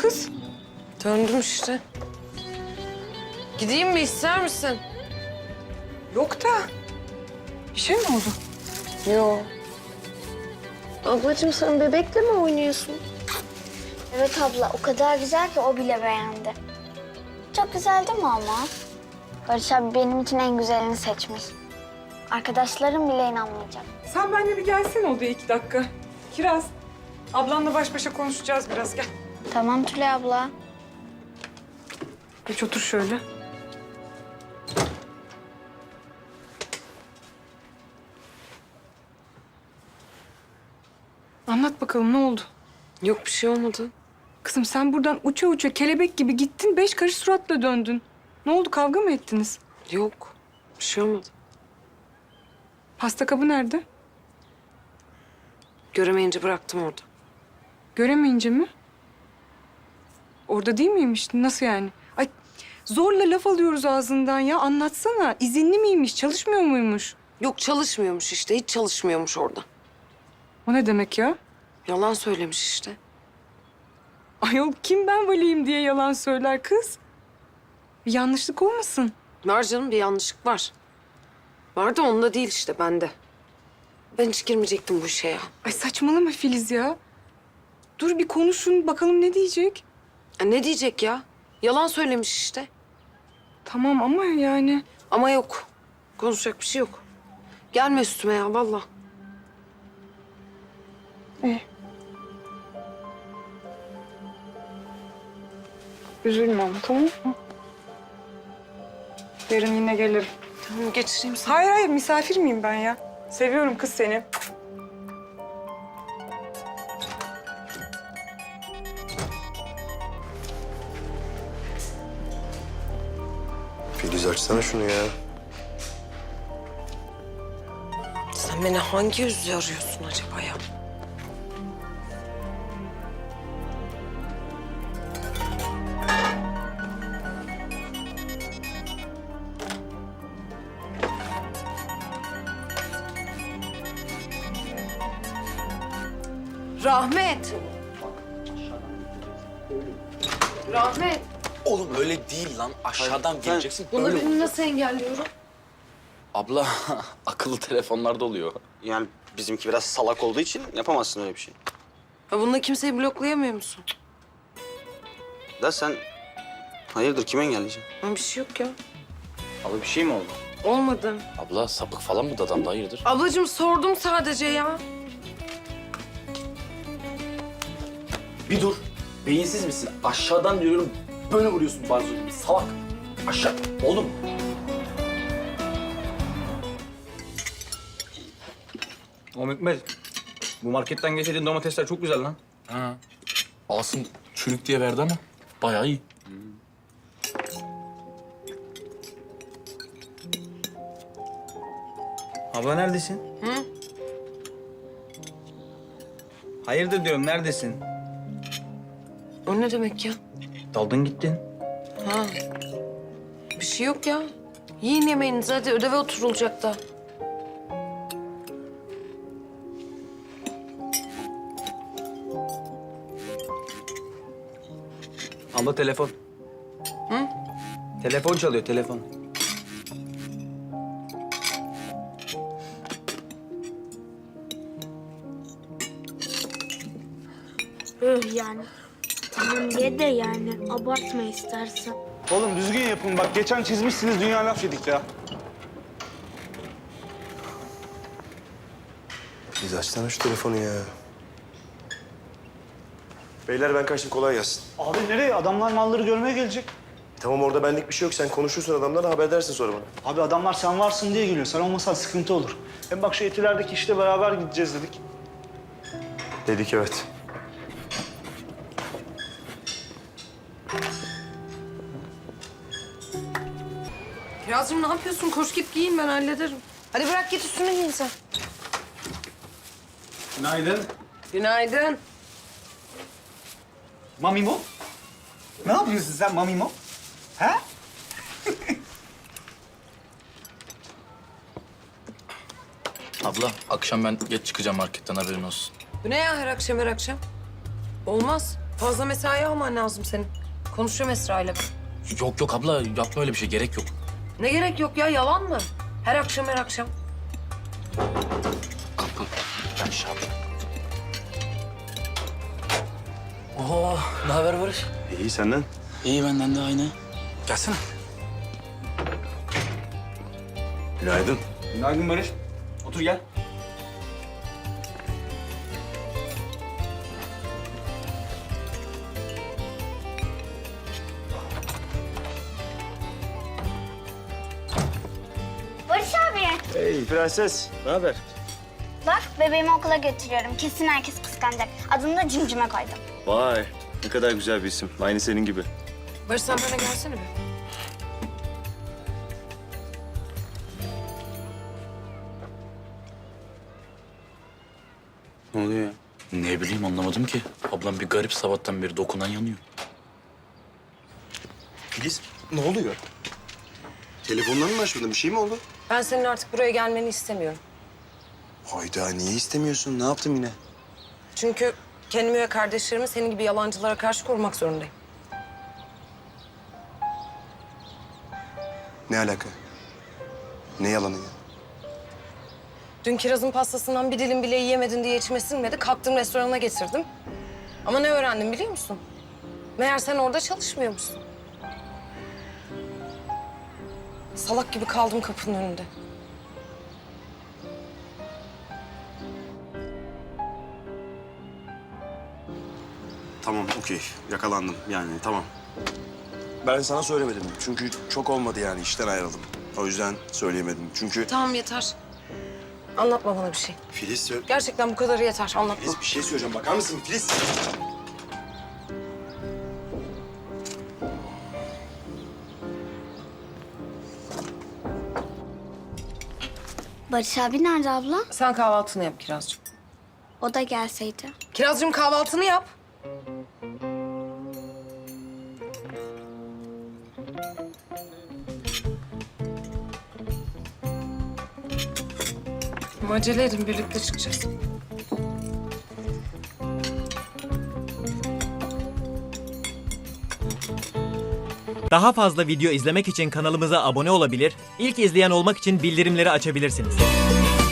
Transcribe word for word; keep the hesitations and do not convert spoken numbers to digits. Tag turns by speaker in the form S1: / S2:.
S1: kız?
S2: Döndüm işte. Gideyim mi, ister misin?
S1: Yok da. Bir şey mi oldu?
S2: Yok.
S3: Ablacığım sen bebekle mi oynuyorsun? Evet abla, o kadar güzel ki o bile beğendi. Çok güzel değil mi ama? Barış abi benim için en güzelini seçmiş. Arkadaşlarım bile inanmayacak.
S1: Sen benimle bir gelsene odaya iki dakika. Kiraz, ablanla baş başa konuşacağız biraz. Gel.
S3: Tamam Tülay abla.
S1: Geç otur şöyle. Anlat bakalım ne oldu?
S2: Yok, bir şey olmadı.
S1: Kızım sen buradan uça uça kelebek gibi gittin, beş karış suratla döndün. Ne oldu, kavga mı ettiniz?
S2: Yok, bir şey olmadı.
S1: Pasta kabı nerede?
S2: Göremeyince bıraktım orada.
S1: Göremeyince mi? Orada değil miymiş? Nasıl yani? Ay zorla laf alıyoruz ağzından ya. Anlatsana. İzinli miymiş? Çalışmıyor muymuş?
S2: Yok, çalışmıyormuş işte. Hiç çalışmıyormuş orada.
S1: O ne demek ya?
S2: Yalan söylemiş işte.
S1: Ayol kim ben valiyim diye yalan söyler kız? Bir yanlışlık olmasın?
S2: Var canım, bir yanlışlık var. Var da onda değil işte, bende. Ben hiç girmeyecektim bu işe ya.
S1: Ay saçmalama Filiz ya. Dur bir konuşun bakalım ne diyecek?
S2: Ya ne diyecek ya? Yalan söylemiş işte.
S1: Tamam ama yani...
S2: Ama yok. Konuşacak bir şey yok. Gelme üstüme ya, vallahi.
S1: İyi. Üzülme ama tamam mı? Yarın yine gelirim.
S2: Tamam, geçireyim seni.
S1: Hayır hayır misafir miyim ben ya? Seviyorum kız seni.
S4: Filiz açsana şunu ya.
S2: Sen beni hangi yüzle arıyorsun acaba ya? Rahmet. Rahmet.
S5: Oğlum öyle değil lan. Aşağıdan geleceksin.
S2: Bunu
S5: Öyle.
S2: benim nasıl engelliyorum?
S5: Abla akıllı telefonlarda oluyor.
S6: Yani bizimki biraz salak olduğu için yapamazsın öyle bir şey.
S2: Ya bununla kimseyi bloklayamıyor musun?
S6: Da sen hayırdır kime engelleyeceksin?
S2: Ya bir şey yok ya.
S6: Abi bir şey mi oldu?
S2: Olmadı.
S5: Abla sapık falan mı dadamda hayırdır?
S2: Ablacığım sordum sadece ya.
S5: Bir dur. Beyinsiz misin? Aşağıdan diyorum böyle vuruyorsun barzo gibi. Salak. Aşağı. Oğlum.
S7: Oğlum Hikmet, bu marketten getirdiğin domatesler çok güzel lan.
S5: Ha. Asım çürük diye verdi ama bayağı iyi.
S7: Abla neredesin?
S2: Hı?
S7: Hayırdır diyorum, neredesin?
S2: O ne demek ya?
S7: Daldın gittin.
S2: Ha. Bir şey yok ya. Yiyin yemeğinizi, hadi ödeve oturulacak da.
S7: Abla telefon.
S2: Hı?
S7: Telefon çalıyor, telefon.
S3: Öh yani. Tamam ye de yani. Abartma istersen.
S8: Oğlum düzgün yapın bak. Geçen çizmişsiniz dünya laf yedik ya.
S4: Filiz açsana şu telefonu ya. Beyler ben kaçtım, kolay gelsin.
S8: Abi nereye? Adamlar malları görmeye gelecek.
S4: E, tamam orada benlik bir şey yok. Sen konuşursun adamlarla, haber edersin sonra bana.
S8: Abi adamlar sen varsın diye geliyor. Sen olmasan sıkıntı olur. Hem bak şu etilerdeki işte beraber gideceğiz dedik.
S4: Dedik evet.
S2: Kirazcığım ne yapıyorsun? Koş git giyin, ben hallederim. Hadi bırak git üstüne giyin sen.
S8: Günaydın.
S2: Günaydın.
S8: Mamimo? Ne yapıyorsun sen Mamimo? He?
S5: Abla akşam ben geç çıkacağım marketten haberin olsun.
S2: Bu ne ya her akşam her akşam? Olmaz. Fazla mesai alman lazım senin. Konuşuyorum Esra ile ben.
S5: Yok yok abla yapma öyle bir şey gerek yok.
S2: Ne gerek yok ya, yalan mı? Her akşam her akşam.
S5: Ben şey yapayım. Oo, ne haber Barış?
S4: İyi senden.
S5: İyi benden de aynı. Gelsene.
S4: Günaydın.
S7: Günaydın Barış. Otur gel.
S3: Barış abi.
S4: Hey prenses. Ne haber?
S3: Bak bebeğimi okula götürüyorum. Kesin herkes kıskanacak. Adını da Cimcime koydum.
S4: Vay. Ne kadar güzel bir isim. Aynı senin gibi.
S2: Barış sen bana gelsene bir.
S6: Ne oluyor ya?
S5: Ne bileyim anlamadım ki. Ablam bir garip sabahtan beri dokunan yanıyor.
S4: Filiz ne oluyor? Telefondan mı açmadın? Bir şey mi oldu?
S2: Ben senin artık buraya gelmeni istemiyorum.
S4: Hayda niye istemiyorsun? Ne yaptım yine?
S2: Çünkü kendimi ve kardeşlerimi senin gibi yalancılara karşı korumak zorundayım.
S4: Ne alaka? Ne yalanı ya?
S2: Dün kirazın pastasından bir dilim bile yiyemedin diye içime sinmedi. Kalktım restorana getirdim. Ama ne öğrendim biliyor musun? Meğer sen orada çalışmıyormuşsun. Salak gibi kaldım kapının önünde.
S4: Tamam okey. Yakalandım yani tamam. Ben sana söylemedim. Çünkü çok olmadı yani işten ayrıldım. O yüzden söyleyemedim. Çünkü...
S2: Tamam yeter. Anlatma bana bir şey.
S4: Filiz, sö-
S2: Gerçekten bu kadarı yeter. Anlatma.
S4: Filiz bir şey söyleyeceğim. Bakar mısın Filiz?
S3: Barış abi nerede abla?
S2: Sen kahvaltını yap Kirazcığım.
S3: O da gelseydi.
S2: Kirazcığım kahvaltını yap. Ama acele edin, birlikte çıkacağız.
S9: Daha fazla video izlemek için kanalımıza abone olabilir, ilk izleyen olmak için bildirimleri açabilirsiniz.